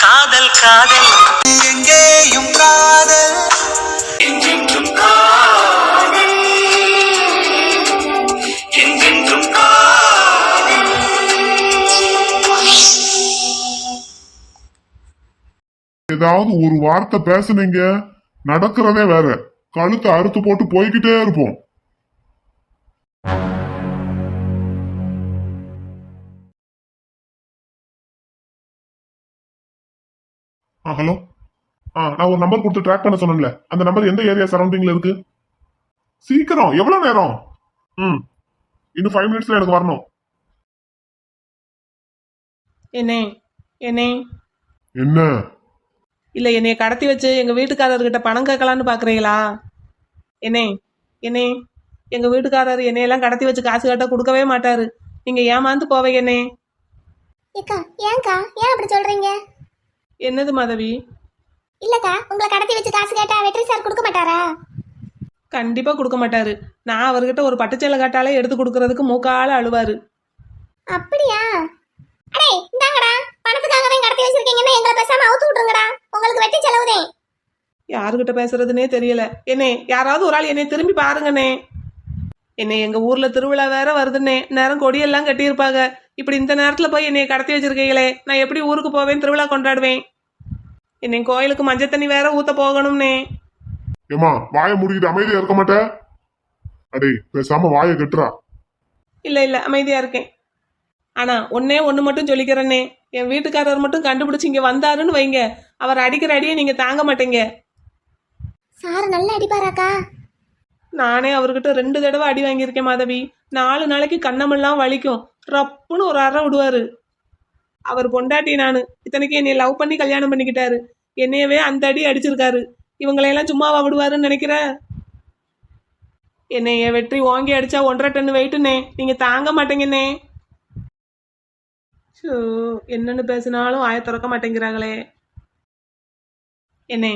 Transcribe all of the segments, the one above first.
காதல் காதல் எங்கேயும் காதல் என்றென்றும் காதல் என்றென்றும் காதல். ஏதாவது ஒரு வார்த்தை பேசுனீங்க நடக்கிறதே வேற. கழுத்தை அறுத்து போட்டு போய்கிட்டே இருப்போம். ஹலோ. நான் ஒரு நம்பர் கொடுத்து ட்ராக் பண்ண சொன்னேன்ல, அந்த நம்பர் எந்த ஏரியா சரௌண்டிங்ல இருக்கு? சீக்கிரம், எவ்வளவு நேரம்? இன்னும் 5 மினிட்ஸ்ல எனக்கு வரணும். என்ன இல்ல என்னைய கடத்தி வச்சு எங்க வீட்டுக்காரர்கிட்ட பணம் கேட்கலான்னு பாக்குறீங்களா? என்னே எங்க வீட்டுக்காரர் என்னையெல்லாம் கடத்தி வச்சு காசு கேட்டா கொடுக்கவே மாட்டாரு. நீங்க ஏமாந்து போவீங்க. ஏக்கா ஏன்க்கா ஏன் அப்படி சொல்றீங்க? என்னது மாதவி? இல்லக்கா, உங்களை கடத்தி வச்சு காசு கேட்டா வெற்றி சார் கொடுக்க மாட்டாரா? கண்டிப்பா கொடுக்க மாட்டாரு. நான் அவர்கிட்ட ஒரு பட்டுச்சேலை கேட்டாலே எடுத்து கொடுக்கறதுக்கு மூக்கால அழுவாரு. அப்படியா? அடே இந்தாங்கடா, பணத்துக்காக தான் கடத்தி வச்சிருக்கீங்கன்னா எங்களை பேசாம அவுத்து விட்டுருங்கடா, உங்களுக்கு வெட்டி செலவுதே. யாருகிட்ட பேசுறதுனே தெரியல. யாராவது ஒரு ஆள் என்னை திரும்பி பாருங்கண்ணே. எங்க ஊர்ல திருவிழா வேற வருதுன்னே, நேரம் கொடியெல்லாம் கட்டியிருப்பாங்க. இப்படி இந்த நேரத்துல போய் என்னைய கடத்தி வச்சிருக்கீங்களே, நான் எப்படி ஊருக்கு போவேன், திருவிழா கொண்டாடுவேன்? என்னை கோயிலுக்கு மஞ்சள் தண்ணி வேற ஊத்த போகணும்னே. ஏமா வாயை முடிக்கிட்டு அமைதியா இருக்க மாட்டேன்? அடே பேசாம வாயை கட்டுறா. இல்ல அமைதியா இருக்கேன். ஆனா ஒண்ணு மட்டும் சொல்லிக்கிறேன்னே, என் வீட்டுக்காரர் மட்டும் கண்டுபிடிச்சு இங்க வந்தாருன்னு வைங்க, அவர் அடிக்கிற அடியை நீங்க தாங்க மாட்டீங்க. சார் நல்லா அடிப்பாராக்கா? நானே அவர்கிட்ட 2 தடவை அடி வாங்கியிருக்கேன் மாதவி. 4 நாளைக்கு கண்ணமெல்லாம் வலிக்கும். ரப்புன்னு ஒரு அறை விடுவாரு. அவர் பொண்டாட்டி நானு. இத்தனைக்கு என்னை லவ் பண்ணி கல்யாணம் பண்ணிக்கிட்டாரு. என்னையவே அந்த அடி அடிச்சிருக்காரு. இவங்களையெல்லாம் சும்மாவா விடுவாருன்னு நினைக்கிற? என்னைய வெற்றி ஓங்கி அடிச்சா 1.5 டன் வெயிட்டுனே, நீங்க தாங்க மாட்டேங்கண்ணே. என்னன்னு பேசினாலும் ஆய திறக்க மாட்டேங்கிறாங்களே. என்ன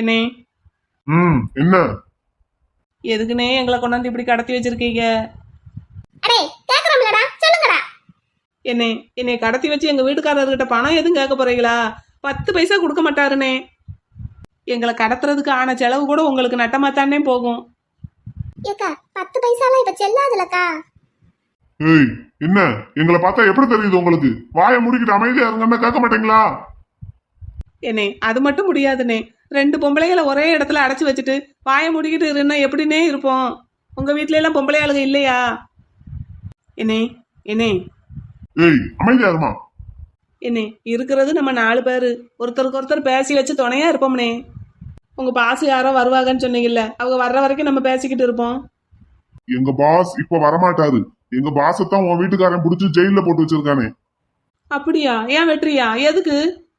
என்ன எதுக்குனே எங்களை கொண்டாந்து இப்படி கடத்தி வச்சிருக்கீங்க? அடே கேக்குறோம்லடா, சொல்லுங்கடா. என்னை கடத்தி வச்சு எங்க வீட்டுக்காரர்கிட்ட பணம் எதுவும் கேட்க போறீங்களா? 10 பைசா கொடுக்க மாட்டாருனே. எங்களை கடத்துறதுக்கு ஆன செலவு கூட உங்களுக்கு நட்டமாத்தானே போகும். ஏக்கா 10 பைசாலாம் இப்ப செல்லாதுலக்கா. ஏய் என்ன எங்களை பார்த்தா எப்படி தெரியுது உங்களுக்கு? வாயை முடிக்கிட்டு அமைதியா இருங்கன்னா கேட்க மாட்டீங்களா? அது மட்டும் முடியாதுனே. 2 பொம்பளைகளை ஒரே இடத்துல அடைச்சு வச்சுட்டு வாயை முடிக்கிட்டு இருந்தா எப்படின்னே இருப்போம்? உங்க வீட்ல எல்லாம் பொம்பளை ஆளுக இல்லையா? ஏய் அமைதியா இருமா. இருக்கிறது நம்ம 4 பேரு. ஒருத்தருக்கு ஒருத்தர் பேசி வச்சு துணையா இருப்போம்னே. உங்க பாஸ் யாரோ வருவாங்கன்னு சொன்னீங்கல்ல, அவங்க வர்ற வரைக்கும் நம்ம பேசிக்கிட்டு இருப்போம். எங்க பாஸ் இப்ப வரமாட்டாரு. எங்க பாசத்தான் உன் வீட்டுக்காரன் புடிச்சு ஜெயில போட்டு வச்சிருக்கானே. அப்படியா? ஏன் வெற்றியா? எதுக்கு?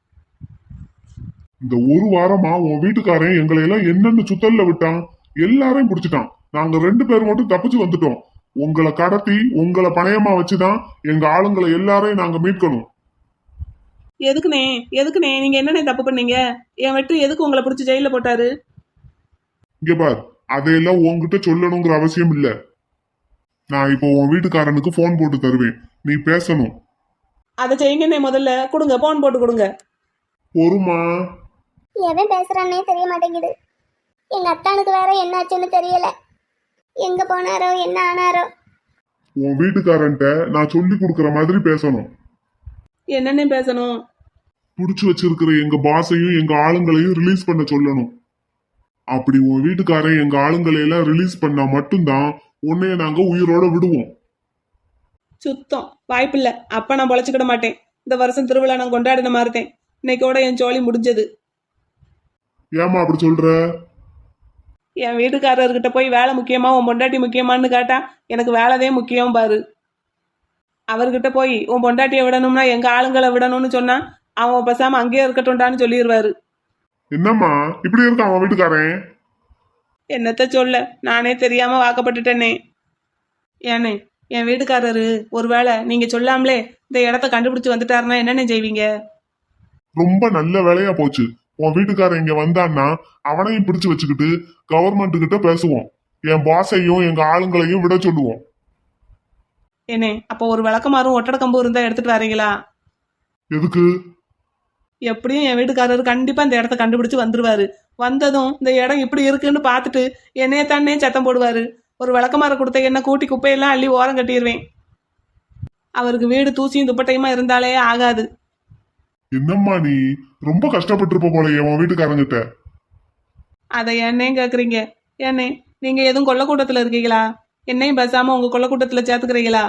இந்த ஒரு வாரமா உன் வீட்டுக்காரன் எங்களை எல்லாம் என்னென்ன சுத்தல்ல விட்டான், எல்லாரையும் பிடிச்சிட்டான். நாங்க 2 பேரும் மட்டும் தப்பிச்சு வந்துட்டோம். உங்களை கடத்தி உங்களை பணையமா வச்சுதான் எங்க ஆளுங்களை எல்லாரையும் நாங்க மீட்கணும். எதுக்குனே நீங்க என்னென்ன தப்பு பண்ணீங்க? என் வெற்றி எதுக்கு உங்களை பிடிச்சி ஜெயில போட்டாரு? இங்க பார், அதையெல்லாம் உன்கிட்ட சொல்லணுங்கிற அவசியம் இல்ல. நான் இப்போ உன் வீட்டுக்காரனுக்கு போன் போட்டு தருவேன், நீ பேசணும். அதை செய்யுங்கண்ணே. முதல்ல கொடுங்க, போன் போட்டு கொடுங்க. பொறுமா. எவன் பேசுறானே தெரிய மாட்டேங்குது. எங்க அத்தானுக்கு வேற என்ன ஆச்சுன்னு தெரியல. எங்க போனாரோ என்ன ஆனாரோ. உன் வீட்டுக்காரன்ட்ட நான் சொல்லி கொடுக்கற மாதிரி பேசணும். என்னென்ன பேசணும்? புடிச்சு வச்சிருக்கிற எங்க பாஸையும் எங்க ஆளுங்களையும் ரிலீஸ் பண்ண சொல்லணும். அப்படி உன் வீட்டுக்காரன் எங்க ஆளுங்களை எல்லாம் ரிலீஸ் பண்ணா மட்டும்தான் உன்னைய நாங்க உயிரோட விடுவோம். சுத்தம் வாய்ப்பில்ல. அப்ப நான் பொழைச்சுக்கிட மாட்டேன். இந்த வருஷம் திருவிழா நான் கொண்டாடின மாதிரிட்டேன். இன்னைக்கோட என் ஜோலி முடிஞ்சது. ஏமா அப்படி சொல்ற? என் வீட்டுக்காரர்கிட்ட போய் வேலை முக்கியமா உன் பொண்டாட்டி முக்கியமானு கேட்டா எனக்கு வேலைதே முக்கியம் பாரு. அவர்கிட்ட போய் உன் பொண்டாட்டியை விடணும்னா எங்க ஆளுங்களை விடணும்னு சொன்னா அவன் பேசாம அங்கேயே இருக்கட்டும்டான்னு சொல்லிடுவாரு. என்னம்மா இப்படி இருக்கான் அவன் வீட்டுக்காரன்? என்னத்த சொல்ல, நானே தெரியாம வாக்கப்பட்டுட்டேனே. என் வீட்டுக்காரரு ஒருவேளை நீங்க சொல்லாமலே இந்த இடத்த கண்டுபிடிச்சு வந்துட்டாருன்னா என்னென்ன செய்வீங்க? ரொம்ப நல்ல வேலையா போச்சு. உன் வீட்டுக்காரன் இங்க வந்தான்னா அவனையும் பிடிச்சு வச்சுக்கிட்டு கவர்மெண்ட் கிட்ட பேசுவோம். என் பாஸையும் எங்க ஆளுங்களையும் விட சொல்லுவோம். அப்போ ஒரு விளக்கமாறும் ஒட்டட கம்பு இருந்தா எடுத்துட்டு வரீங்களா? எதுக்கு? எப்படியும் என் வீட்டுக்காரர் கண்டிப்பா இந்த இடத்த கண்டுபிடிச்சு வந்துருவாரு. வந்ததும் இந்த இடம் இப்படி இருக்குன்னு பார்த்துட்டு என்னைய தானே சத்தம் போடுவாரு. ஒரு விளக்கமாற கொடுத்த என்ன கூட்டி குப்பையெல்லாம் அள்ளி ஓரம் கட்டிடுவேன். அவருக்கு வீடு தூசியும் துப்பட்டையுமா இருந்தாலே ஆகாது. என்னம்மா நீ ரொம்ப கஷ்டப்பட்டிருப்ப போலயே உன் வீட்டுக்காரங்கிட்ட. அதை என்னே கேக்குறீங்க? ஏன்னே நீங்க எதுவும் கொல்லக்கூட்டத்துல இருக்கீங்களா? என்னையும் பேசாம உங்க கொல்லக்கூட்டத்துல சேர்த்துக்கிறீங்களா?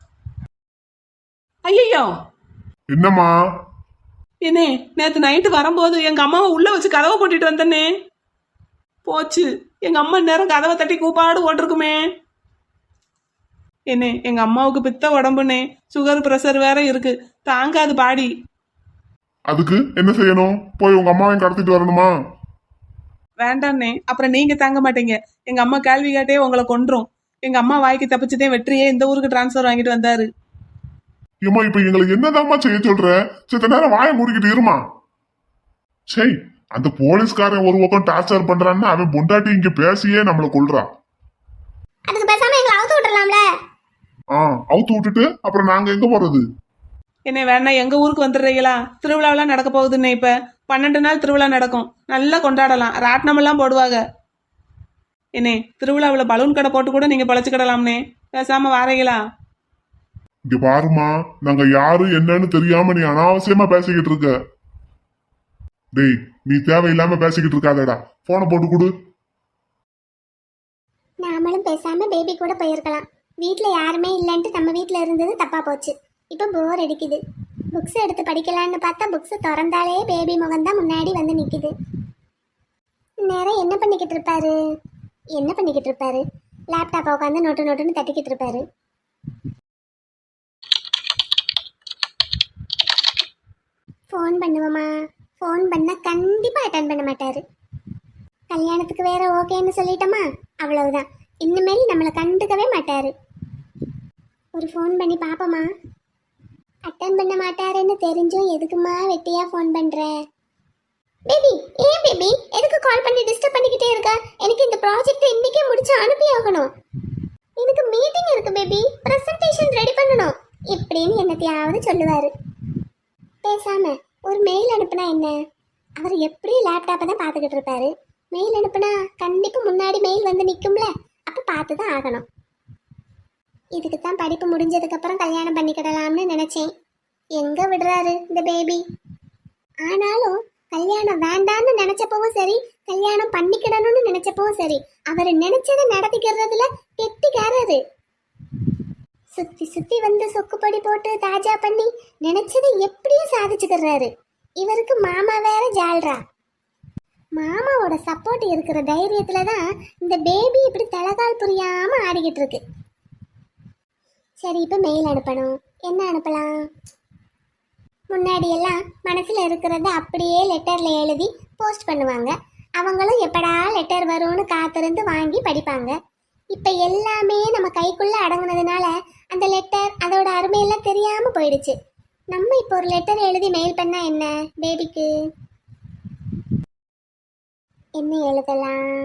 ஐயோ என்னம்மா? என்னே, நேத்து நைட்டு வரும்போது எங்க அம்மாவை உள்ள வச்சு கதவை போட்டுட்டு வந்தனே. போச்சு, எங்க அம்மா நேரம் கதவை தட்டி கூப்பாடு ஓட்டிருக்குமே. என்னே, எங்க அம்மாவுக்கு பித்த உடம்புனே, சுகர் பிரஷர் வேற இருக்கு, தாங்காது பாடி. அதுக்கு என்ன செய்யணும்? போய் உங்க அம்மாவையும் கடத்திட்டு வரணுமா? வேண்டாண்ணே, அப்புறம் நீங்க தாங்க மாட்டீங்க. எங்க அம்மா கேள்வி கேட்டே உங்களை கொன்றும். எங்க அம்மா வாய்க்கு தப்பிச்சுதே வெற்றியே இந்த ஊருக்கு டிரான்ஸ்ஃபர் வாங்கிட்டு வந்தாரு. ஏம்மா இப்ப எங்களை என்னதாம்மா செய்ய சொல்ற? சித்த நேரம் வாயை மூடிக்கிட்டு இருமா. சரி, அந்த போலீஸ்காரன் ஒரு பக்கம் டார்ச்சர் பண்றான்னு அவன் பொண்டாட்டி இங்க பேசியே நம்மள கொல்றான். அதுக்கு பேசாம எங்களை அவுத்து விட்டுறலாம்ல. அவுத்து விட்டுட்டு அப்புறம் நாங்க எங்க போறது? என்ன வேணா எங்க ஊருக்கு வந்துடுறீங்களா? திருவிழாவெல்லாம் நடக்க போகுதுன்னு. இப்ப 12 நாள் திருவிழா நடக்கும், நல்லா கொண்டாடலாம், ராட்டினம் எல்லாம் போடுவாங்க. என்னே, திருவிழாவில் பலூன் கடை போட்டு கூட நீங்க பழச்சுக்கிடலாம்னே. பேசாம வாரீங்களா? இங்க பாருமா, நாங்க யாரு என்னன்னு தெரியாம நீ அனாவசியமா பேசிக்கிட்டு இருக்க. டேய், நீ தேவையில்லாம பேசிக்கிட்டு இருக்காதடா. போனை போட்டு கொடு. நாமளும் பேசாம பேபி கூட போயிருக்கலாம். வீட்ல யாருமே இல்லைன்ட்டு நம்ம வீட்ல இருந்தது தப்பா போச்சு. இப்போ போர் அடிக்குது. புக்ஸ் எடுத்து படிக்கலான்னு பார்த்தா புக்ஸ் திறந்தாலே பேபி முகம்தான் முன்னாடி வந்து நிக்குது. நேரம் என்ன பண்ணிக்கிட்டு இருப்பாரு? லேப்டாப்பை உட்காந்து நோட்டுன்னு தட்டிக்கிட்டு இருப்பாரு. ஃபோன் பண்ணுவோமா? ஃபோன் பண்ணால் கண்டிப்பாக அட்டன் பண்ண மாட்டார். கல்யாணத்துக்கு வேற ஓகேன்னு சொல்லிட்டோமா, அவ்வளவுதான். இனிமேல் நம்மளை கண்டுக்கவே மாட்டார். ஒரு ஃபோன் பண்ணி பார்ப்போமா? அட்டன் பண்ண மாட்டாருன்னு தெரிஞ்சும் எதுக்குமா வெட்டியாக ஃபோன் பண்ணுற? பேபி, ஏன் பேபி எதுக்கு கால் பண்ணி டிஸ்டர்ப் பண்ணிக்கிட்டே இருக்க? எனக்கு இந்த ப்ராஜெக்ட் இன்னைக்கே முடிச்சு அனுப்பி ஆகணும். எனக்கு மீட்டிங் இருக்கு பேபி, ப்ரெசன்டேஷன் ரெடி பண்ணணும் இப்படின்னு என்னத்தையாவது சொல்லுவார். பேசாம ஒரு மெயில் அனுப்புனா என்ன? அவர் எப்படியும் லேப்டாப்பை தான் பார்த்துக்கிட்டு இருப்பாரு. மெயில் அனுப்புனா கண்டிப்பாக முன்னாடி மெயில் வந்து நிற்கும்ல, அப்போ பார்த்து தான் ஆகணும். இதுக்கு தான் படிப்பு முடிஞ்சதுக்கப்புறம் கல்யாணம் பண்ணிக்கிடலாம்னு நினச்சேன். எங்கே விடுறாரு இந்த பேபி? ஆனாலும் கல்யாணம் வேண்டான்னு நினச்சப்பவும் சரி, கல்யாணம் பண்ணிக்கிடணும்னு நினச்சப்பவும் சரி, அவர் நினச்சதை நடத்திக்கிறதுல கெட்டிக்காரரு. சுத்தி சுத்தி வந்து சொக்குப்பொடி போட்டு தாஜா பண்ணி நினைச்சதை எப்படியும் சாதிச்சுக்கிறாரு. இவருக்கு மாமா வேற ஜால்ரா. மாமாவோட சப்போர்ட் இருக்கிற தைரியத்துல தான் இந்த பேபி இப்படி தலகால் புரியாம ஆடிக்கிட்டு இருக்கு. சரி, இப்ப மெயில் அனுப்பணும். என்ன அனுப்பலாம்? முன்னாடி எல்லாம் மனசுல இருக்கிறத அப்படியே லெட்டர்ல எழுதி போஸ்ட் பண்ணுவாங்க. அவங்களும் எப்படா லெட்டர் வரும்னு காத்திருந்து வாங்கி படிப்பாங்க. இப்ப எல்லாமே நம்ம கைக்குள்ள அடங்குனதுனால அந்த லெட்டர் அதோட அருமையெல்லாம் தெரியாம போயிடுச்சு. நம்ம இப்போ ஒரு லெட்டர் எழுதி மெயில் பண்ணா என்ன? பேபிக்கு என்ன எழுதலாம்?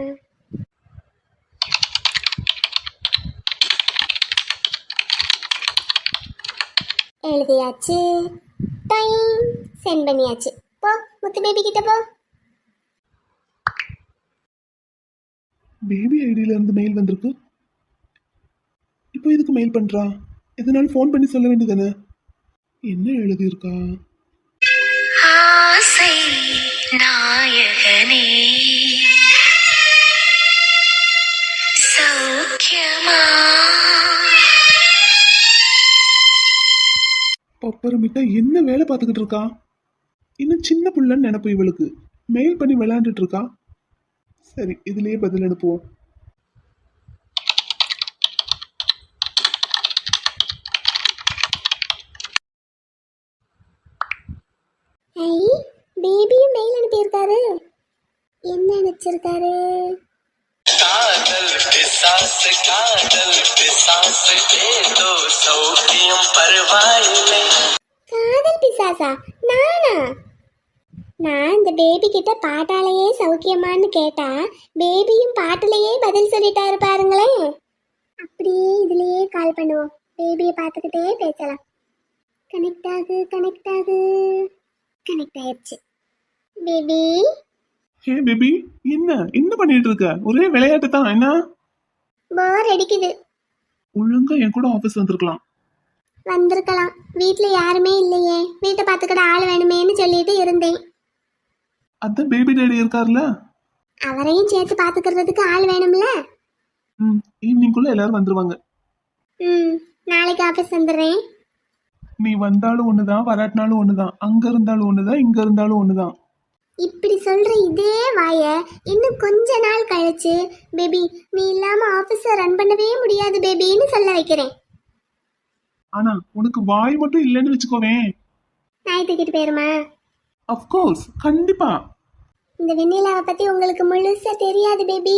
எழுதியாச்சு, டைம் சென்ட் பண்ணியாச்சு. போ முத்து பேபி கிட்ட போ. பேபி ஐடியில இருந்து மெயில் வந்திருக்கு. இப்போ எதுக்கு மெயில் பண்றா? எதனாலும் ஃபோன் பண்ணி சொல்ல வேண்டியதானே? என்ன எழுதியிருக்கா? ஆசை நாயகனே சௌக்கியமா. பப்பரமிட்டா என்ன வேலை பார்த்துக்கிட்டு இருக்கா? இன்னும் சின்ன புள்ளன்னு நினைப்பு இவளுக்கு. மெயில் பண்ணி விளையாண்டுட்டு இருக்கா. சரி, இதுலயே பதில் அனுப்புவோம். ஐ, பேபியும் மெயில் அனுப்பியிருக்காரு. என்ன நினைச்சிருக்காரு? காதல் பிசாசு दे दो சௌக்கியம் பரவாயில்லை. காதல் பிசாசா? நானா? நான் இந்த பேபி கிட்ட பாட்டாலேயே சௌக்கியமான்னு கேட்டா பேபியும் பாட்டுலயே பதில் சொல்லிட்டாரு பாருங்களேன். அப்படியே இதுலயே கால் பண்ணுவோம். பேபியை பார்த்துக்கிட்டே பேசலாம். கனெக்ட் ஆகு. கனெக்ட் ஆயிடுச்சு. பேபி ஹே பேபி, என்ன பண்ணிட்டு இருக்க? ஒரே விளையாட்டு தான். என்ன போர் அடிக்குது. ஒழுங்கா என் கூட ஆபீஸ் வந்திருக்கலாம். வந்திருக்கலாம். வீட்ல யாருமே இல்லையே, வீட்டை பார்த்துக்கிட ஆள் வேணுமேன்னு சொல்லிட்டு இருந்தேன். அதான் பேபி டேடி இருக்காருல்ல. அவரையும் சேர்த்து பார்த்துக்கிறதுக்கு ஆள் வேணும்ல. ஈவினிங்குள்ள எல்லாரும் வந்துருவாங்க. நாளைக்கு ஆஃபீஸ் வந்துடுறேன். நீ வந்தாலும் ஒண்ணுதான், வராட்டினாலும் ஒண்ணுதான். அங்க இருந்தாலும் ஒண்ணுதான், இங்க இருந்தாலும் ஒண்ணுதான். இப்படி சொல்ற இதே வாய இன்னும் கொஞ்ச நாள் கழிச்சு பேபி நீ இல்லாம ஆபீஸ ரன் பண்ணவே முடியாது பேபின்னு சொல்ல வைக்கிறேன். ஆனா உனக்கு வாய் மட்டும் இல்லைன்னு வச்சுக்கோவேன். நாய் தூக்கிட்டு போயிருமா? அஃப்கோர்ஸ், கண்டிப்பா. இந்த வெண்ணிலாவை பத்தி உங்களுக்கு முழுசா தெரியாது பேபி.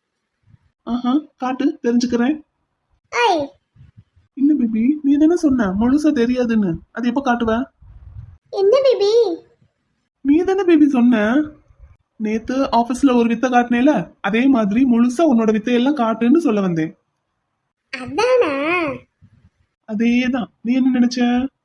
காட்டு, தெரிஞ்சுக்கிறேன். ஐய் இல்ல பேபி, நீ தானே சொன்ன முழுசா தெரியாதுன்னு. அது எப்ப காட்டுவ? என்ன பேபி? நீ தானே பேபி சொன்ன நேத்து ஆபீஸ்ல ஒரு வித்தை காட்டினேல, அதே மாதிரி முழுசா உன்னோட வித்தையெல்லாம் காட்டுன்னு சொல்ல வந்தேன். அதானா? அதேதான். நீ என்ன நினைச்ச?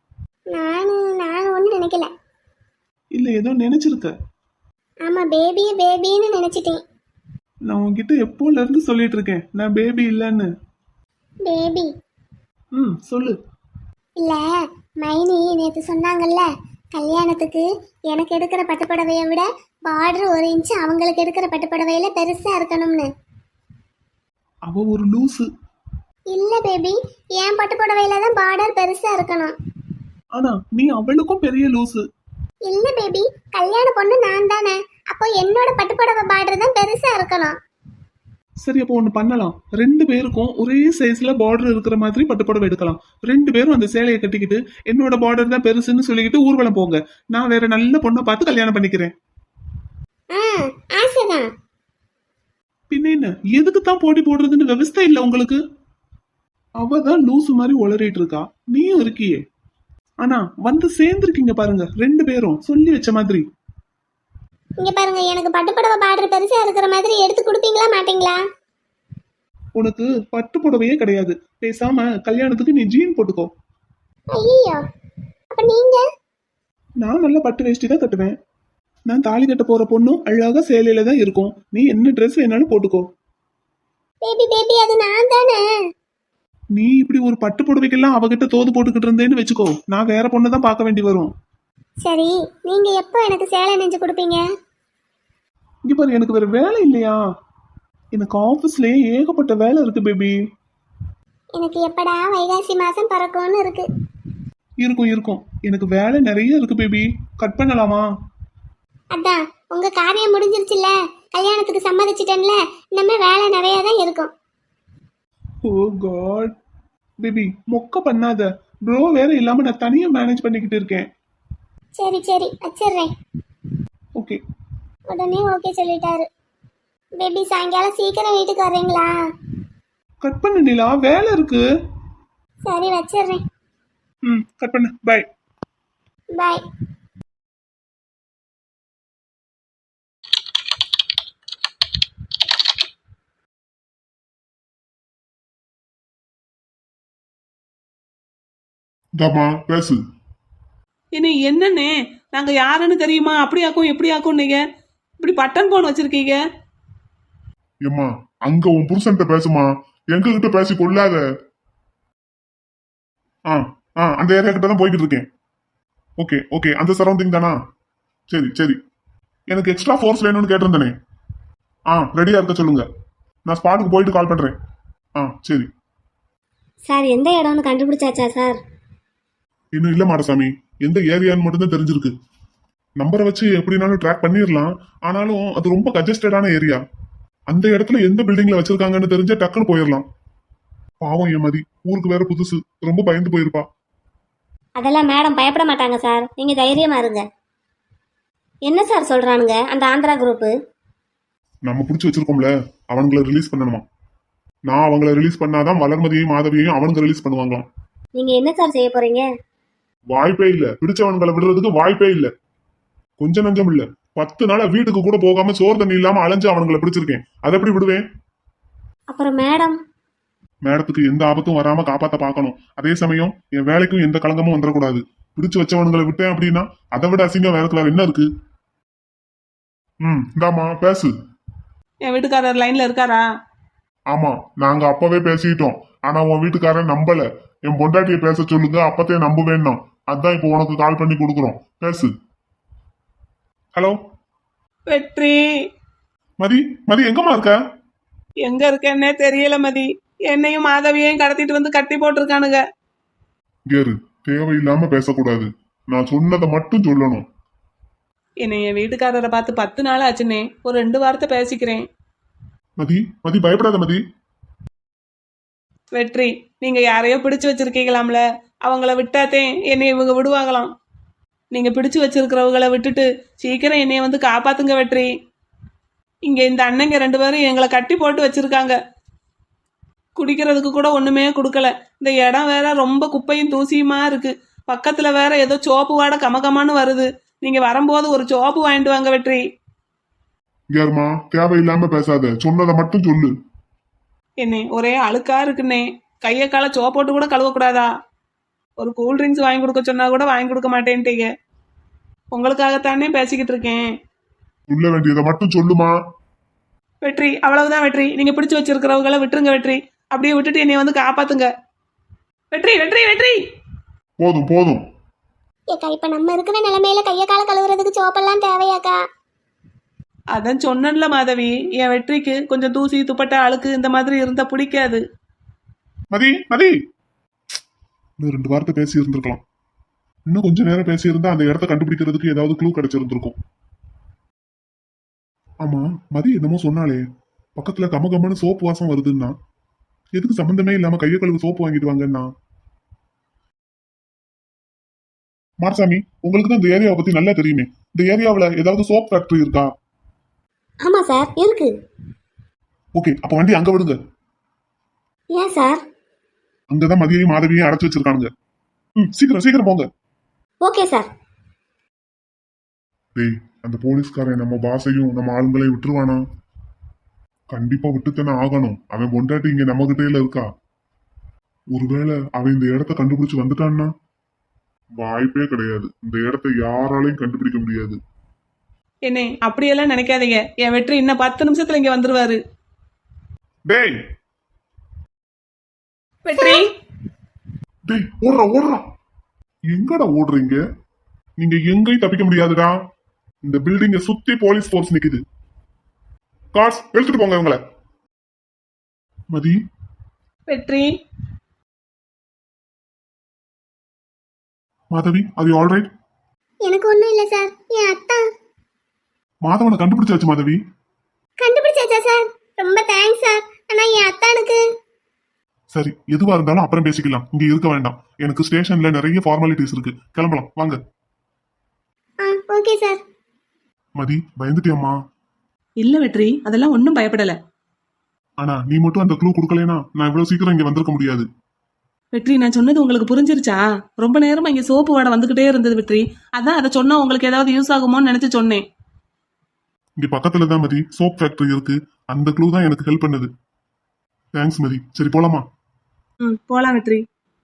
நான் ஒன்னும் நினைக்கல. இல்ல ஏதோ நினைச்சிருக்க. ஆமா, பேபின்னு நினைச்சிட்டேன். நான் உன்கிட்ட எப்போல இருந்து சொல்லிட்டு இருக்கேன் நான் பேபி இல்லைன்னு. பேபி சொல்லு. இல்ல, மைனி நேத்து சொன்னாங்கல்ல, கல்யாணத்துக்கு எனக்கு எடுக்கிற பட்டுப்புடவையை விட பார்டர் 1 இன்ச்சு அவங்களுக்கு எடுக்கிற பட்டுப்புடவையில பெருசா இருக்கணும்னு. அவ ஒரு லூசு. இல்ல பேபி, என் பட்டுப்புடவையில தான் பார்டர் பெருசா இருக்கணும். ஆனா நீ அவளுக்கும் பெரிய லூசு. இல்ல பேபி, கல்யாண பொண்ணு நான் தானே, அப்போ என்னோட பட்டுப்புடவை பார்டர் தான் பெருசா இருக்கணும். சரி, அப்போ ஒண்ணு பண்ணலாம். 2 பேருக்கும் ஒரே சைஸ்ல பார்டர் இருக்கிற மாதிரி பட்டுப்புடவை எடுக்கலாம். 2 பேரும் அந்த சேலையை கட்டிக்கிட்டு என்னோட பார்டர் தான் பெருசுன்னு சொல்லிக்கிட்டு ஊர்வலம் போங்க. நான் வேற நல்ல பொண்ணை பார்த்து கல்யாணம் பண்ணிக்கிறேன். ஆசைதான். பின்ன என்ன, எதுக்கு தான் போட்டி போடுறதுன்னு விவசாயம் இல்ல உங்களுக்கு? அவதான் லூசு மாதிரி உளறிட்டு இருக்கா, நீயும் இருக்கியே. ஆனா வந்து சேர்ந்துருக்கீங்க பாருங்க 2 பேரும், சொல்லி வச்ச மாதிரி. இங்க பாருங்க, எனக்கு பட்டுப்புடவை பார்டர் பெருசா இருக்கிற மாதிரி எடுத்து கொடுப்பீங்களா மாட்டீங்களா? உனக்கு பட்டு புடவையே கிடையாது. பேசாம கல்யாணத்துக்கு நீ ஜீன் போட்டுக்கோ. ஐயோ, அப்ப நீங்க? நான் நல்ல பட்டு வேஷ்டி தான் கட்டுவேன். நான் தாலி கட்ட போற பொண்ணும் அழகா சேலையில தான் இருக்கும். நீ என்ன ட்ரெஸ் வேணாலும் போட்டுக்கோ. பேபி அது நான் தானே. நீ இப்படி ஒரு பட்டு புடவைக்கெல்லாம் அவகிட்ட தோது போட்டுக்கிட்டு இருந்தேன்னு வச்சுக்கோ, நான் வேற பொண்ணு தான் பார்க்க வேண்டி வரும். சரி, நீங்க எப்போ எனக்கு சேலை நெஞ்சு கொடுப்பீங்க? இங்க பாரு, எனக்கு வேற வேலை இல்லையா? எனக்கு ஆபீஸ்லயே ஏகப்பட்ட வேலை இருக்கு பேபி. எனக்கு எப்படா வைகாசி மாசம் பறக்கும்னு இருக்கு. இருக்கும். எனக்கு வேலை நிறைய இருக்கு பேபி. கட் பண்ணலாமா? அதான் உங்க காரியம் முடிஞ்சிருச்சுல்ல, கல்யாணத்துக்கு சம்மதிச்சிட்டேன்ல, இனிமே வேலை நிறைய தான் இருக்கும். ஓ காட் பேபி, மொக்க பண்ணாத. ப்ரோ வேற இல்லாம நான் தனியா மேனேஜ் பண்ணிக்கிட்டு இருக்கேன். சரி வச்சிடுறேன். ஓகே. உடனே ஓகே சொல்லிட்டாரு. பேபி சாயங்காலம் சீக்கிரம் வீட்டுக்கு வர்றீங்களா? கட் பண்ணு நிலா, வேலை இருக்கு. சரி வச்சிடுறேன். கட் பண்ணு. பை. பாய். தாமா பேசு. இனி என்னண்ணே, நாங்க யாருன்னு தெரியுமா? அப்படி ஆக்கும் எப்படி ஆக்கும்? நீங்க இப்படி பட்டன் போன் வச்சிருக்கீங்க. ஏம்மா, அங்க உன் புருஷன்ட்ட பேசுமா, எங்க கிட்ட பேசி கொள்ளாத. அந்த ஏரியா கிட்ட தான் போய்கிட்டு இருக்கேன். ஓகே, அந்த சரௌண்டிங் தானா? சரி. எனக்கு எக்ஸ்ட்ரா ஃபோர்ஸ் வேணும்னு கேட்டிருந்தேனே. ரெடியா இருக்க சொல்லுங்க, நான் ஸ்பாட்டுக்கு போயிட்டு கால் பண்றேன். சரி. சார், எந்த இடம்னு கண்டுபிடிச்சாச்சா சார்? இன்னும் இல்ல மாடசாமி, எந்த ஏரியான்னு மட்டும் தான் தெரிஞ்சிருக்கு. நம்பரை வச்சு எப்படினாலும் ட்ராக் பண்ணிடலாம். ஆனாலும் அது ரொம்ப கஜஸ்டடான ஏரியா. அந்த இடத்துல எந்த பில்டிங்ல வச்சிருக்காங்கன்னு தெரிஞ்சா டக்குன்னு போயிடலாம். பாவம் என் மதி, ஊருக்கு வேற புதுசு, ரொம்ப பயந்து போயிருப்பா. அதெல்லாம் மேடம் பயப்பட மாட்டாங்க சார், நீங்கள் தைரியமாக இருங்க. என்ன சார் சொல்கிறானுங்க அந்த ஆந்திரா குரூப்பு? நம்ம பிடிச்சி வச்சிருக்கோம்ல, அவனுங்களை ரிலீஸ் பண்ணணுமா. நான் அவங்கள ரிலீஸ் பண்ணாதான் வளர்மதியையும் மாதவியையும் அவனுங்க ரிலீஸ் பண்ணுவாங்களாம். நீங்கள் என்ன சார் செய்ய போகிறீங்க? வாய்ப்பே இல்ல, பிடிச்சவன்களை விடுறதுக்கு வாய்ப்பே இல்ல. கொஞ்சம் நஞ்சம் இல்ல, 10 நாளா வீட்டுக்கு கூட போகாம சோறு தண்ணி இல்லாம அலைஞ்சு அவனுங்களை பிடிச்சிருக்கேன். அதை எப்படி விடுவேன்? அப்புறம் மேடத்துக்கு எந்த ஆபத்தும் வராம காப்பாத்த பார்க்கணும். அதே சமயம் என் வேலைக்கும் எந்த களங்கமும் வந்துடக்கூடாது. பிடிச்சு வச்சவனுங்களை விட்டேன் அப்படின்னா அதை விட அசிங்கம் வேற என்ன இருக்கு? இந்தாமா பேசு. என் வீட்டுக்காரர் லைன்ல இருக்காரா? ஆமா, நாங்க அப்பவே பேசிட்டோம். ஆனா உன் வீட்டுக்காரன் நம்பல. என் பொண்டாட்டிய பேச சொல்லுங்க, அப்பத்தே நம்புவேன்னா. அதான் இப்போ உனக்கு கால் பண்ணி கொடுக்குறோம், பேசு. ஹலோ வெற்றி, மதி, மதி எங்கம்மா இருக்க? எங்க இருக்கேன்னே தெரியல மதி. என்னையும் மாதவியையும் கடத்திட்டு வந்து கட்டி போட்டிருக்கானுங்க. கேரு, தேவையில்லாம பேசக்கூடாது. நான் சொன்னதை மட்டும் சொல்லணும். என்னை என் வீட்டுக்காரரை பார்த்து 10 நாள் ஆச்சுன்னே. ஒரு 2 வார்த்தை பேசிக்கிறேன். மதி, மதி பயப்படாத மதி. வெற்றி, நீங்க யாரையோ பிடிச்சு வச்சிருக்கீங்களாம்ல, அவங்கள விட்டாத்தே என்னை இவங்க விடுவாங்களாம். நீங்க பிடிச்சு வச்சிருக்கிறவங்கள விட்டுட்டு சீக்கிரம் என்னைய வந்து காப்பாத்துங்க வெற்றி. இங்க இந்த அண்ணங்க 2 பேரும் எங்களை கட்டி போட்டு வச்சிருக்காங்க. குடிக்கிறதுக்கு கூட ஒண்ணுமே கொடுக்கல. இந்த இடம் வேற ரொம்ப குப்பையும் தூசியுமா இருக்கு. பக்கத்துல வேற ஏதோ சோப்பு வாடை கமகமான்னு வருது. நீங்க வரும்போது ஒரு சோப்பு வாங்கிட்டு வாங்க வெற்றி. கேருமா, தேவையில்லாம பேசாத, சொன்னதை மட்டும் சொல்லு. என்னே ஒரே அழுக்கா இருக்குன்னே. கையை காலை சோப்பு போட்டு கூட கழுவக்கூடாதா? ஒரு கூல் ட்ரிங்க்ஸ் வாங்கி கொடுக்க சொன்னா கூட வாங்கி கொடுக்க மாட்டேன்ட்டீங்க. உங்களுக்காகத்தானே பேசிக்கிட்டு இருக்கேன். சொல்ல வேண்டியதை மட்டும் சொல்லுமா. வெற்றி, அவ்வளவுதான் வெற்றி. நீங்க பிடிச்சு வச்சிருக்கிறவங்கள விட்டுருங்க வெற்றி. அப்படியே விட்டுட்டு என்னை வந்து காப்பாத்துங்க வெற்றி. வெற்றி, வெற்றி. போதும் போதும். ஏக்கா இப்ப நம்ம இருக்கிற நிலைமையில கைய கால கழுவுறதுக்கு சோப்பெல்லாம் தேவையாக்கா? அதான் சொன்னேன்ல மாதவி, என் வெற்றிக்கு கொஞ்சம் தூசி துப்பட்டா அழுக்கு இந்த மாதிரி இருந்தா பிடிக்காது. மதி, மதி, இன்னும் 2 வார்த்தை பேசி இருந்திருக்கலாம். இன்னும் கொஞ்ச நேரம் பேசி இருந்தா அந்த இடத்த கண்டுபிடிக்கிறதுக்கு ஏதாவது க்ளூ கிடைச்சிருந்திருக்கும். ஆமா, மதி என்னமோ சொன்னாலே பக்கத்துல கமகமன்னு சோப்பு வாசம் வருதுன்னா எதுக்கு சம்பந்தமே இல்லாம கைய கழுவு சோப்பு வாங்கிட்டு வாங்கன்னா? மாரசாமி, உங்களுக்கு தான் இந்த ஏரியாவை பத்தி நல்லா தெரியுமே. இந்த ஏரியாவுல ஏதாவது சோப் ஃபேக்டரி இருக்கா? ஆமா சார், இருக்கு. ஓகே, அப்ப வண்டி அங்க விடுங்க. ஏன் சார்? அங்கதான் மதியையும் மாதவியையும் அடைச்சு வச்சிருக்கானுங்க. சீக்கிரம் சீக்கிரம் போங்க. Okay sir. டேய், அந்த போலீஸ்காரன் நம்ம பாசையும் நம்ம ஆளுங்களையும் விட்டுருவானா? கண்டிப்பா விட்டுத்தானே ஆகணும். அவன் பொண்டாட்டி இங்க நம்ம கிட்டேல இருக்கா. ஒருவேளை அவன் இந்த இடத்த கண்டுபிடிச்சு வந்துட்டான்னா வாய்ப்பே கிடையாது. இந்த இடத்த யாராலையும் கண்டுபிடிக்க முடியாது. என்னே அப்படியெல்லாம் நினைக்காதீங்க. என் வெற்றி இன்னும் 10 நிமிஷத்துல இங்க வந்துருவாரு. டேய் வெற்றி, டேய், ஓடுறா ஓடுறா. எங்கடா ஓடுறீங்க? நீங்க எங்கேயும் தப்பிக்க முடியாதுடா. இந்த பில்டிங்க சுத்தி போலீஸ் ஃபோர்ஸ் நிக்குது. கார்ஸ் எடுத்துட்டு போங்க இவங்கள. மதி, வெற்றி, மாதவி, அது ஆல் ரைட்? எனக்கு ஒண்ணும் இல்ல சார். என் அத்தா மாதவனை கண்டுபிடிச்சாச்சு மாதவி. கண்டுபிடிச்சாச்சா சார்? ரொம்ப தேங்க்ஸ் சார். ஆனா என் அத்தானுக்கு சரி, எதுவா இருந்தாலும் அப்புறம் பேசிக்கலாம். இங்க இருக்க வேண்டாம். எனக்கு ஸ்டேஷன்ல நிறைய ஃபார்மாலிட்டிஸ் இருக்கு. கிளம்பலாம் வாங்க. Okay sir. மதி, பயந்துட்டியம்மா? இல்ல வெற்றி, அதெல்லாம் ஒன்றும் பயப்படல. ஆனா நீ மட்டும் அந்த க்ளூ கொடுக்கலனா நான் இவ்வளவு சீக்கிரம் இங்க வந்திருக்க முடியாது. வெற்றி, நான் சொன்னது உங்களுக்கு புரிஞ்சிருச்சா? ரொம்ப நேரமா இங்க சோப்பு வாடை வந்துகிட்டே இருந்தது வெற்றி. அதான் அதை சொன்னா உங்களுக்கு ஏதாவது யூஸ் ஆகுமோன்னு நினைச்சு சொன்னேன். இங்க பக்கத்துல தான் மதி சோப் ஃபேக்டரி இருக்கு. அந்த க்ளூ தான் எனக்கு ஹெல்ப் பண்ணுது. தேங்க்ஸ் மதி. சரி போலாமா? போலாம் வெற்றி.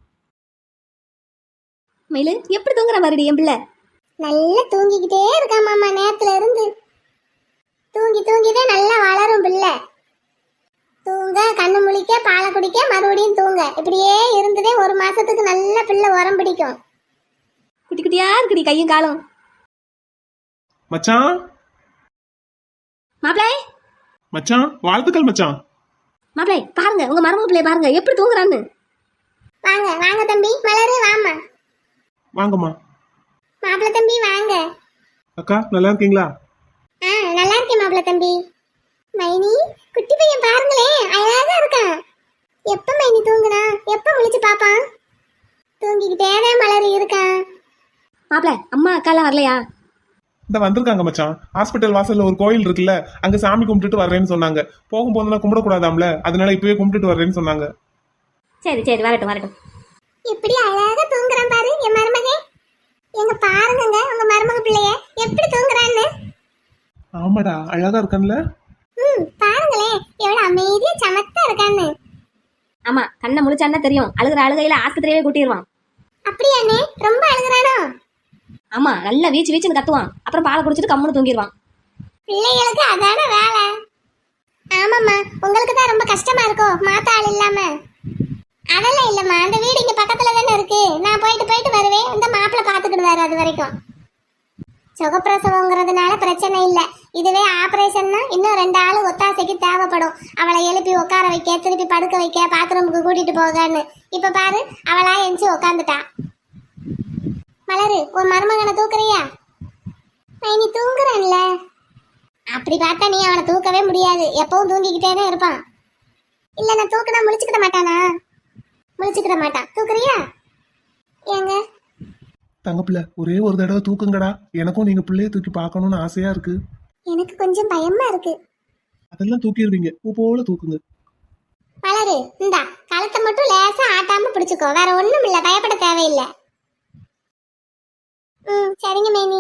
மயிலு எப்படி தூங்குற மாதிரி என் பிள்ளை? நல்லா தூங்கிக்கிட்டே இருக்கா மாமா. நேரத்துல இருந்து தூங்கி தூங்கிதான் நல்லா வளரும் பிள்ளை. தூங்க, கண்ணு முழிக்க, பாலை குடிக்க, மறுபடியும் தூங்க, இப்படியே இருந்ததே 1 மாசத்துக்கு நல்ல பிள்ளை உரம் பிடிக்கும். குட்டி குட்டியா இருக்குடி கையும் காலும். மச்சான், மாப்பிளை மச்சான், வாழ்த்துக்கள் மச்சான். மாப்பிளை பாருங்க, உங்க மருமக பிள்ளைய பாருங்க எப்படி தூங்குறான்னு. வாங்க வாங்க தம்பி. மலரு வாமா. வாங்கம்மா. மாப்பிள்ள தம்பி வாங்க. அக்கா, நல்லா இருக்கீங்களா? நல்லா இருக்கேன் மாப்பிள்ள தம்பி. மைனி, குட்டி பையன் பாருங்களேன், அழகா இருக்கான். எப்ப மைனி தூங்குனா? எப்ப முழிச்சு பாப்பான்? தூங்கிக்கிட்டே தான் மலர் இருக்கான். மாப்பிளை, அம்மா அக்காலாம் வரலையா? இந்த வந்திருக்காங்க மச்சான். ஹாஸ்பிட்டல் வாசல்ல ஒரு கோயில் இருக்குல்ல, அங்க சாமி கும்பிட்டுட்டு வர்றேன்னு சொன்னாங்க. போகும்போதுலாம் கும்பிடக்கூடாதாம்ல, அதனால இப்பவே கும்பிட்டுட்டு வர்றேன்னு சொன்னாங்க. சரி சரி, வரட்டும் வரட்டும். எப்படி அழகா தூங்குறான் பாரு என் மருமகே. எங்க பாருங்க உங்க மருமக பிள்ளைய எப்படி தூங்குறான்னு. ஆமாடா, அழகா இருக்கான்ல. பாருங்களேன் எவ்வளவு அமைதியா சமத்தா இருக்கான்னு. ஆமா, கண்ணை முழிச்சான்னா தெரியும். அழுகிற அழுகையில ஆஸ்பத்திரியே கூட்டிடுவான். அப்படியாண்ணே ரொம்ப அழுகுறானோ? ஆமா, நல்லா வீச்சு வீச்சுன்னு கத்துவான். அப்புறம் பாலை குடிச்சிட்டு கம்முன்னு தூங்கிடுவான். பிள்ளைகளுக்கு அதான வேலை. ஆமாம்மா, உங்களுக்கு தான் ரொம்ப கஷ்டமா இருக்கோ மாத்த ஆள் இல்லாம? அதெல்லாம் இல்லம்மா, அந்த வீடு இங்க பக்கத்துல தானே இருக்கு. நான் போயிட்டு வருவேன். இந்த மாப்பிள்ளை பாத்துக்கிடுவாரு அது வரைக்கும். சுகப்பிரசவங்கிறதுனால பிரச்சனை இல்லை. இதுவே ஆபரேஷன்னா இன்னும் 2 ஆளு ஒத்தாசைக்கு தேவைப்படும். அவளை எழுப்பி உட்கார வைக்க, திருப்பி படுக்க வைக்க, பாத்ரூமுக்கு கூட்டிட்டு போகன்னு. இப்ப பாரு, அவளா எந்திச்சு உக்காந்துட்டா. மலரு, உன் மருமகனை தூக்குறியா? நீ தூங்குறான்ல. அப்படி பார்த்தா நீ அவனை தூக்கவே முடியாது. எப்பவும் தூங்கிக்கிட்டே தான் இருப்பான். இல்ல நான் தூக்குனா முழிச்சுக்கிட மாட்டானா? முழிச்சுக்கிட மாட்டான். தூக்குறியா? ஏங்க தங்கப்பிள்ள ஒரே ஒரு தடவை தூக்குங்கடா. எனக்கும் நீங்க பிள்ளைய தூக்கி பார்க்கணும்னு ஆசையா இருக்கு. எனக்கு கொஞ்சம் பயமா இருக்கு. அதெல்லாம் தூக்கிடுவீங்க. பூ போல தூக்குங்க. மலரு, இந்தா கழுத்தை மட்டும் லேசா ஆட்டாம பிடிச்சுக்கோ. வேற ஒண்ணும் இல்ல, பயப்பட தேவையில்லை. சரிங்க மேனி.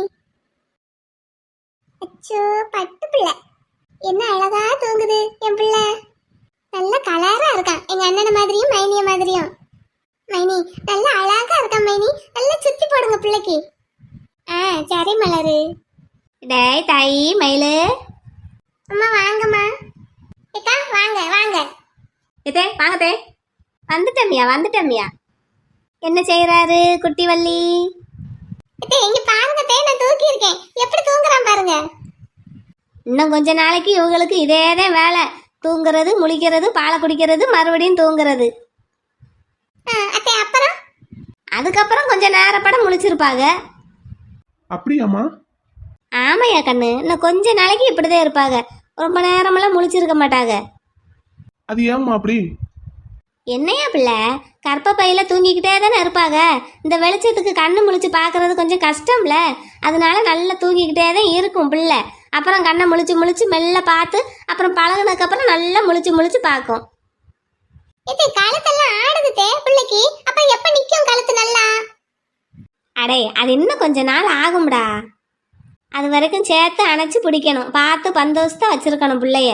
அச்சோ, பட்டு பிள்ளை என்ன அழகா தூங்குது என் பிள்ளை. நல்ல கலரா இருக்கான், எங்க அண்ணன மாதிரியும் மைனிய மாதிரியும். மைனி நல்ல அழகா இருக்கான் மைனி. நல்லா சுத்தி போடுங்க பிள்ளைக்கு. சரி மலரு. டேய் தாயி மயிலு. அம்மா வாங்கம்மா. ஏக்கா வாங்க வாங்க. இதே வாங்கதே. வந்துட்டமியா. என்ன செய்யறாரு குட்டி வள்ளி? இங்க பாருங்க தே, நான் தூக்கி இருக்கேன். எப்படி தூங்குறான் பாருங்க. இன்னும் கொஞ்ச நாளைக்கு இவங்களுக்கு இதேதான் வேலை. தூங்குறது, முழிக்கிறது, பாலை குடிக்கிறது, மறுபடியும் தூங்குறது. அத்தை அப்புறம் அதுக்கப்புறம் கொஞ்சம் நேரப்பட முழிச்சிருப்பாங்க. அப்படியாம்மா? ஆமையா கண்ணு, இன்னும் கொஞ்ச நாளைக்கு இப்படிதான் இருப்பாங்க. ரொம்ப நேரமெல்லாம் முழிச்சிருக்க மாட்டாங்க. அது ஏம்மா அப்படி? என்னையா பிள்ளை, கற்ப பையில தூங்கிக்கிட்டே தானே இருப்பாங்க. இந்த வெளிச்சத்துக்கு கண்ணு முழிச்சு பார்க்கறது கொஞ்சம் கஷ்டம்ல. அதனால நல்லா தூங்கிக்கிட்டே தான் இருக்கும் பிள்ளை. அப்புறம் கண்ணை முழிச்சு மெல்ல பார்த்து அப்புறம் பழகுனதுக்கப்புறம் நல்லா முழிச்சு பார்க்கும். இது கழுத்தெல்லாம் ஆடுது தே பிள்ளைக்கு. அப்ப எப்ப நிக்கும் கழுத்து நல்லா? அடே, அது இன்னும் கொஞ்ச நாள் ஆகும்டா. அது வரைக்கும் சேர்த்து அணைச்சி பிடிக்கணும். பார்த்து பந்தோஸ்தா வச்சிருக்கணும் பிள்ளைய.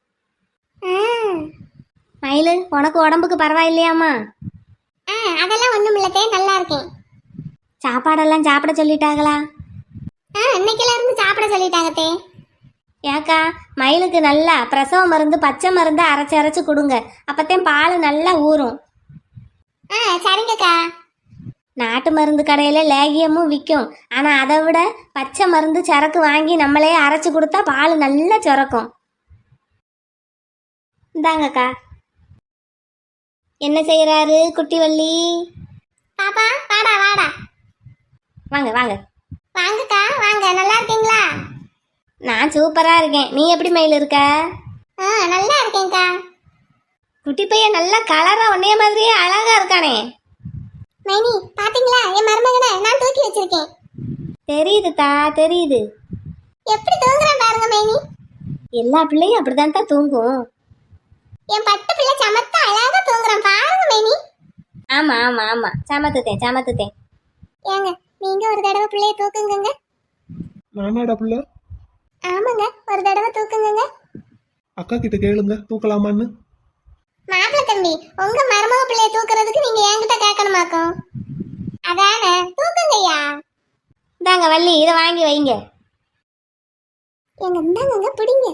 மயிலு, உனக்கு உடம்புக்கு பரவாயில்லையாம்மா? அதெல்லாம் ஒண்ணும் இல்ல தே, நல்லா இருக்கேன். சாப்பாடெல்லாம் சாப்பிட சொல்லிட்டாங்களா? இன்னைக்குல இருந்து சாப்பிட சொல்லிட்டாங்க தே. ஏக்கா, மயிலுக்கு நல்லா பிரசவ மருந்து, பச்சை மருந்து அரைச்சு கொடுங்க. அப்பத்தான் பால் நல்லா ஊறும். சரிங்கக்கா. நாட்டு மருந்து கடையில லேகியமும் விற்கும். ஆனா அதை விட பச்சை மருந்து சரக்கு வாங்கி நம்மளே அரைச்சு கொடுத்தா பால் நல்லா சுரக்கும். இந்தாங்கக்கா. என்ன செய்யறாரு குட்டி வள்ளி? பாப்பா வாடா வாடா. வாங்க வாங்க. வாங்கக்கா வாங்க. நல்லா இருக்கீங்களா? நான் சூப்பரா இருக்கேன். நீ எப்படி மயில் இருக்க? நல்லா இருக்கேன்க்கா. குட்டி பையன் நல்லா கலரா உன்னைய மாதிரியே அழகா இருக்கானே. மைனி பாத்தீங்களா என் மருமகனை நான் தூக்கி வச்சிருக்கேன். தெரியுதுதா, தெரியுது. எப்படி தூங்குறான் பாருங்க மைனி. எல்லா பிள்ளையும் அப்படிதான் தான் தூங்கும். என் பட்டு பிள்ளை சமத்தா அழகா தூங்குறான் பாருங்க மைனி. ஆமா ஆமா ஆமா, சமத்துத்தேன். ஏங்க நீங்க ஒரு தடவை பிள்ளைய தூக்குங்க. நானாடா புள்ள? ஆமாங்க, ஒரு தடவை தூக்குங்க. அக்கா கிட்ட கேளுங்க தூக்கலாமான்னு. மாப்பிள்ள தம்பி, உங்க மருமக பிள்ளைய தூக்குறதுக்கு நீங்க என்கிட்ட கேட்கணுமாக்கும். அதானே, தூக்குங்கய்யா. இந்தாங்க வள்ளி, இதை வாங்கி வைங்க. எங்க இந்தாங்க பிடிங்க.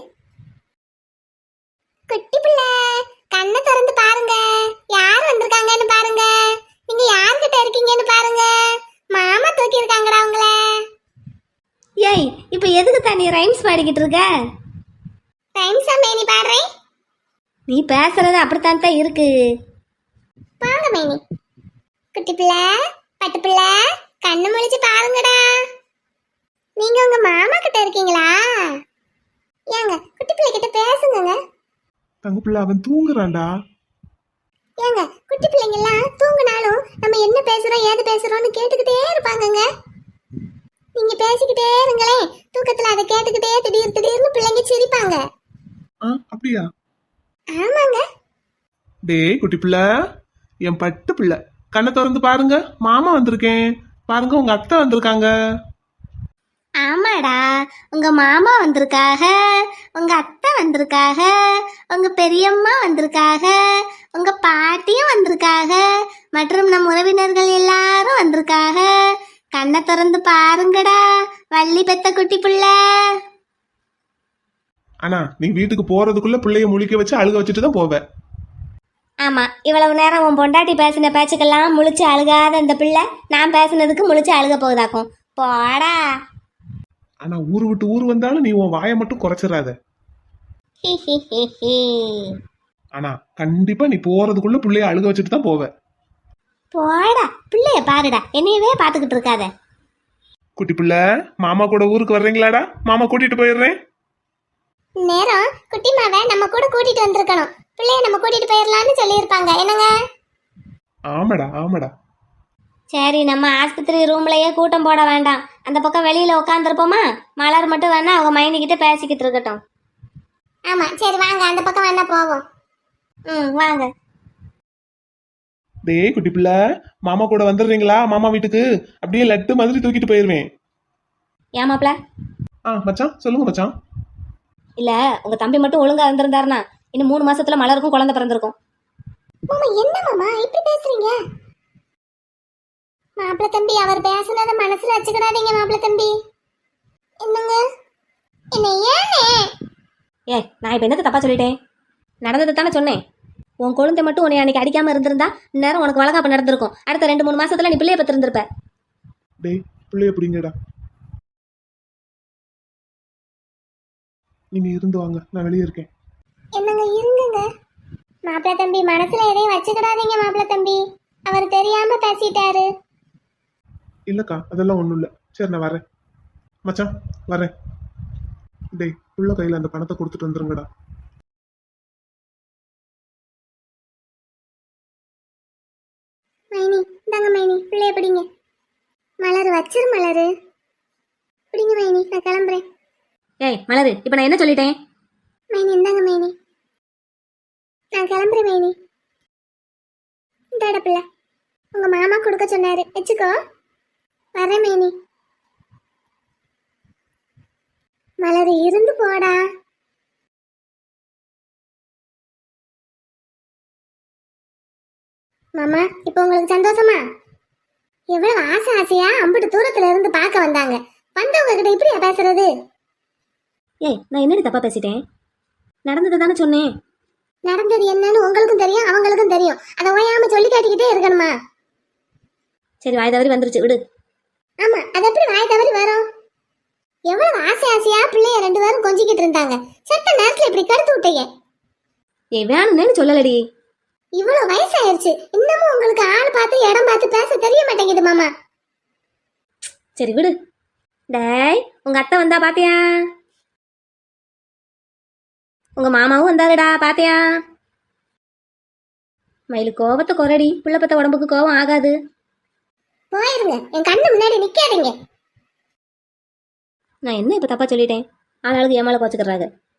குட்டி பிள்ளை கண்ணை திறந்து பாருங்க. யார் வந்திருக்காங்கன்னு பாருங்க. நீங்க யார்கிட்ட இருக்கீங்கன்னு பாருங்க. மாமா தூக்கி இருக்காங்கடா உங்கள. ஏய், இப்ப எதுக்கு தான் நீ ரைம்ஸ் பாடிக்கிட்டு இருக்க? ரைம்ஸா மேனி பாடுறேன். நீ பேசுறது அப்படித்தான் தான் இருக்கு. வாங்க மேனி. குட்டி பிள்ளை, பட்டு பிள்ளை, கண்ணு முழிச்சு பாருங்கடா. நீங்க உங்க மாமா கிட்ட இருக்கீங்களா? ஏங்க குட்டி பிள்ளை கிட்ட பேசுங்க. தங்க பிள்ளை அவன் தூங்குறான்டா. ஏங்க குட்டி பிள்ளைங்க எல்லாம் தூங்குனாலும் நம்ம என்ன பேசுறோம் ஏது பேசுறோம்னு கேட்டுக்கிட்டே இருப்பாங்கங்க. நீங்க பேசிக்கிட்டே இருங்களே, தூக்கத்துல அதை கேட்டுக்கிட்டே திடீர்னு பிள்ளைங்க சிரிப்பாங்க. அப்படியா? ஆமாங்க. டேய் குட்டி பிள்ளை, என் பட்டு பிள்ளை, கண்ணை திறந்து பாருங்க. மாமா வந்திருக்கேன் பாருங்க, உங்க அத்தை வந்திருக்காங்க. ஆமாடா, உங்க மாமா வந்திருக்காக, உங்க அத்தை வந்திருக்காக, உங்க பெரியம்மா வந்திருக்காக, உங்க பாட்டியும் வந்திருக்காக, மற்றும் நம் உறவினர்கள் எல்லாரும் வந்திருக்காக. கண்ணை திறந்து பாருங்கடா, வள்ளி பெத்த குட்டி புள்ள. ஆனா நீ வீட்டுக்கு போறதுக்குள்ள பிள்ளைய முழிக்க வச்சு அழுக வச்சுட்டு தான் போவ. ஆமா, இவ்வளவு நேரம் உன் பொண்டாட்டி பேசின பேச்சுக்கெல்லாம் முழிச்சு அழுகாத இந்த பிள்ளை நான் பேசினதுக்கு முழிச்சு அழுக போகுதாக்கும். போடா. ஆனா ஊர் விட்டு ஊர் வந்தாலும் நீ உன் வாயை மட்டும் குறைச்சிடாத. ஹி ஹி ஹி ஹி. ஆனா கண்டிப்பா நீ போறதுக்குள்ள பிள்ளைய அழுக வச்சுட்டு தான் போவ. போடா, பிள்ளைய பாருடா, என்னையவே பாத்துக்கிட்டு இருக்காத. குட்டி பிள்ளை, மாமா கூட ஊருக்கு வர்றீங்களாடா? மாமா கூட்டிட்டு போயிடுறேன். நேரம் குட்டிமாவை நம்ம கூட கூட்டிட்டு வந்திருக்கணும். பிள்ளைய நம்ம கூட்டிட்டு போயிடலாம்னு சொல்லியிருப்பாங்க. என்னங்க? ஆமாடா ஆமாடா. சரி, நம்ம ஆஸ்பத்திரி ரூம்லயே கூட்டம் போட வேண்டாம். அந்த பக்கம் வெளியில உட்காந்துருப்போமா? மலர் மட்டும் வேணா அவங்க மைனிக்கிட்ட பேசிக்கிட்டு இருக்கட்டும். ஆமா, சரி வாங்க, அந்த பக்கம் வேணா போவோம். வாங்க. டேய் குட்டி பிள்ளை, மாமா கூட வந்துடுறீங்களா? மாமா வீட்டுக்கு அப்படியே லட்டு மாதிரி தூக்கிட்டு போயிருவேன். ஏமாப்ல? மச்சான் சொல்லுங்க மச்சான். இல்ல, உங்க தம்பி மட்டும் ஒழுங்கா இருந்திருந்தாருனா இன்னும் 3 மாசத்துல மலருக்கும் குழந்தை பிறந்திருக்கும். மாமா, என்ன மாமா இப்படி பேசுறீங்க? மாப்பிள்ள தம்பி, அவர் பேசுனத மனசுல வச்சுக்கிடாதீங்க மாப்பிள்ள தம்பி. என்னங்க? என்ன ஏனே? நான் இப்ப என்னது தப்பா சொல்லிட்டேன்? நடந்தது தானே சொன்னேன். உன் குழந்தை மட்டும் உன்னை அன்னைக்கு அடிக்காம இருந்திருந்தா இந்நேரம் உனக்கு வளகாப்பு நடந்திருக்கும். அடுத்த 2-3 மாசத்துல நீ பிள்ளைய பத்திருந்திருப்ப. டேய் பிள்ளைய பிடிங்கடா. நீங்க இருந்து வாங்க, நான் வெளியே இருக்கேன். என்னங்க இருங்குங்க. மாப்பிள்ள தம்பி, மனசுல எதையும் வச்சுக்கிடாதீங்க மாப்பிள்ள தம்பி. அவர் தெரியாம பேசிட்டாரு. இல்லக்கா, அதெல்லாம் ஒண்ணும் இல்ல. சரி நான் வரேன் மச்சான், வரேன். டேய் புள்ள கையில அந்த பணத்தை கொடுத்துட்டு வந்துருங்கடா. மைனி, இந்தாங்க மைனி, பிள்ளைய பிடிங்க. மலர் வச்சிரு மலரு. பிடிங்க மைனி, நான் கிளம்புறேன். மலரு, இப்ப நான் என்ன சொல்லிட்டேன்? மைனி இந்தாங்க மைனி, நான் கிளம்புறேன் மைனி. இந்தாட பிள்ளை, உங்க மாமா கொடுக்க சொன்னாரு, வச்சுக்கோ. வரேன் மைனி. மலர் இருந்து போடா. மாமா, இப்போ உங்களுக்கு சந்தோஷமா? எவ்வளவு ஆசை ஆசையா அம்பிட்டு தூரத்துல இருந்து பார்க்க வந்தாங்க. வந்தவங்க கிட்ட இப்படியா பேசுறது? நான் என்னடி தப்பா பேசிட்டேன்? நடந்தது தானே சொன்னேன். நடந்தது என்னன்னு உங்களுக்கும் தெரியும், அவங்களுக்கும் தெரியும். அதை ஓயாம சொல்லி காட்டிக்கிட்டே இருக்கணுமா? சரி, வாய் தவறி வந்துருச்சு, விடு. ஆமா, அது எப்படி வாய் தவறி வரும்? எவ்வளவு ஆசை ஆசையா பிள்ளைய 2 பேரும் கொஞ்சிக்கிட்டு இருந்தாங்க. செத்த நேரத்துல இப்படி கடுத்து விட்டீங்க. வேணும்னு சொல்லலடி. இவ்வளவு வயசாயிருச்சு, இன்னமும் உங்களுக்கு ஆள் பார்த்து இடம் பார்த்து பேச தெரிய மாட்டேங்குது மாமா. சரி விடு. டேய், உங்க அத்தை வந்தா பாத்தியா? உங்க மாமாவும் வந்தாருடா, பாத்தியா? மயிலு கோவத்தை குறடி, பிள்ளைப்பத்த உடம்புக்கு கோவம் ஆகாது. போயிருங்க, என் கண்ணு முன்னாடி நிக்காதீங்க. நான் என்ன இப்ப தப்பா சொல்லிட்டேன்? ஆளாளுக்கு ஏமால கோச்சுக்கிறாங்க.